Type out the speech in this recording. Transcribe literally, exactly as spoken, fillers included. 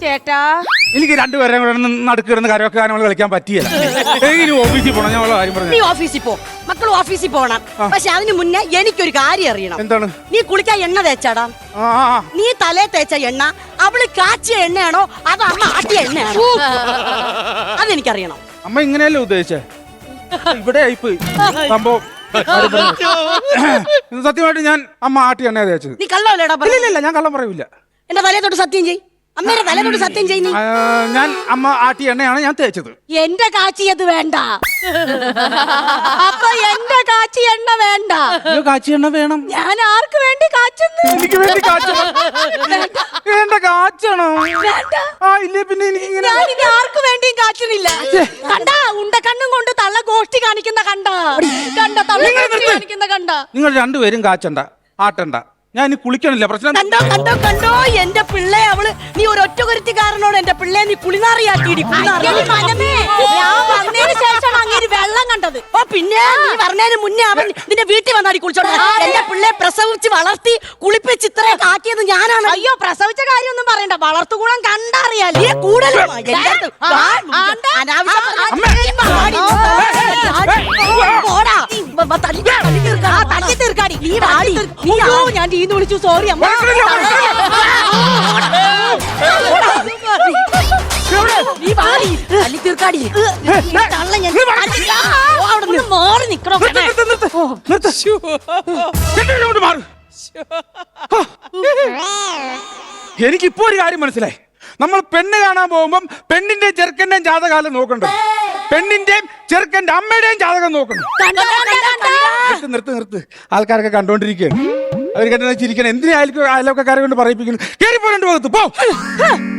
ചേട്ടാ എനിക്ക് രണ്ടുപേരെ കൂടെ നടുക്കിടുന്ന കരമൊക്കെ ഗാനങ്ങൾ കളിക്കാൻ പറ്റിയല്ല. എനിക്ക് ഓഫീസിൽ പോകണം. ഞാൻ ഉള്ള കാര്യം നീ പറഞ്ഞു. ഓഫീസിൽ പോ, മക്കൾ ഓഫീസിൽ പോകണം. പക്ഷെ അതിന് മുന്നേ എനിക്കൊരു കാര്യം അറിയണം. എന്താണ്? നീ കുളിക്കാൻ എണ്ണ തേച്ചാടാ? ആ ആ, ആ. നീ തലേ തേച്ച എണ്ണ അവള് കാച്ചിയ എണ്ണയാണോ അതോ അമ്മ ആട്ടിയ എണ്ണയാണോ? അതെനിക്കറിയണം. അമ്മ ഇങ്ങനെയല്ലേ ഉദ്ദേശിച്ചേ? ഇവിടെ ആയിപ്പോയി സംഭവം. സത്യമായിട്ട് ഞാൻ അമ്മ ആട്ടി എണ്ണ തേച്ചത്. നീ കള്ളല്ലേടാ? ഇല്ല ഇല്ല, ഞാൻ കള്ളം പറയൂല. എന്റെ തലേ തൊട്ട് സത്യം ചെയ്. അമ്മയുടെ തലേ തൊട്ട് സത്യം ചെയ്. നീ ആ, ഞാൻ അമ്മ ആട്ടി എണ്ണയാണ് ഞാൻ തേച്ചത്. എന്റെ കാച്ചിയത് വേണ്ട. അപ്പൊ എന്റെ കാച്ചി എണ്ണ വേണ്ട. അയ്യോ, കാച്ചി എണ്ണ വേണം. ഞാൻ ആർക്ക് വേണ്ടി കാച്ചുന്നു? എനിക്ക് വേണ്ടി കാച്ചണം. വേണ്ട, കാച്ചണോ? ആ ഇല്ലേ, പിന്നെ എനിക്ക് ഇങ്ങനെ ഞാനിനി ആർക്ക് വേണ്ടിയും കാച്ചുന്നില്ല. കണ്ടാ ഉണ്ട കണ്ണും കൊണ്ട് തള്ള ഗോഷ്ടി കാണിക്കുന്ന കണ്ട കണ്ട തള്ള ഗോഷ്ടി കാണിക്കുന്ന കണ്ട. നിങ്ങൾ രണ്ടുപേരും കാച്ചണ്ട, ആട്ടണ്ട. ഞാൻ ഇനി കുളിക്കണില്ല. പ്രശ്നം കണ്ടോ കണ്ടോ കണ്ടോ എന്റെ പിള്ളേ. അവള് നീ ഒരു ഒറ്റകൊരുത്തിക്കാരനോട് എന്റെ പിള്ളേ നീ കുളിനാറിയാക്കിയിടി. ഞാൻ വന്നതിന് ശേഷം അങ്ങനെ വെള്ളം കണ്ടത്. ഓ പിന്നെ നീ പറഞ്ഞതിന് മുന്നേ അവൻ നിന്റെ വീട്ടിൽ വന്നാടി കുളിച്ചോട്ടെ. എന്റെ പിള്ളേ പ്രസവിച്ച് വളർത്തി കുളിപ്പിച്ച് ഇത്രയൊക്കെ ആക്കിയത് ഞാനാണ്. അയ്യോ, പ്രസവിച്ച കാര്യമൊന്നും പറയണ്ട, വളർത്തുകൂടം കണ്ടറിയാലേ. കൂടുതലും തല്ലി തീർക്കാടി. നീ വാടി. നീയോ ഞാൻ ടീന്ന് വിളിച്ചു. സോറി അമ്മ. നീ വാടി. തല്ലി തീർക്കാടി. തള്ള ഞാൻ അവിടെ മാറി നിക്കണോ? എനിക്കിപ്പോ ഒരു കാര്യം മനസ്സിലായി. നമ്മൾ പെണ്ണ് കാണാൻ പോകുമ്പം പെണ്ണിന്റെ ചെറുക്കന്റെയും ജാതകാലം നോക്കണ്ട, പെണ്ണിന്റെയും ചെറുക്കന്റെ അമ്മയുടെയും ജാതകം നോക്കണം. നിർത്ത് നിർത്ത് നിർത്ത്. ആൾക്കാരൊക്കെ കണ്ടോണ്ടിരിക്കുകയാണ്. അവർ കണ്ടു ചിരിക്കണം. എന്തിനാ അയൽക്കാരെ കൊണ്ട് പറയിപ്പിക്കുന്നു? കയറി പോരണ്ടു പോകത്ത് പോ.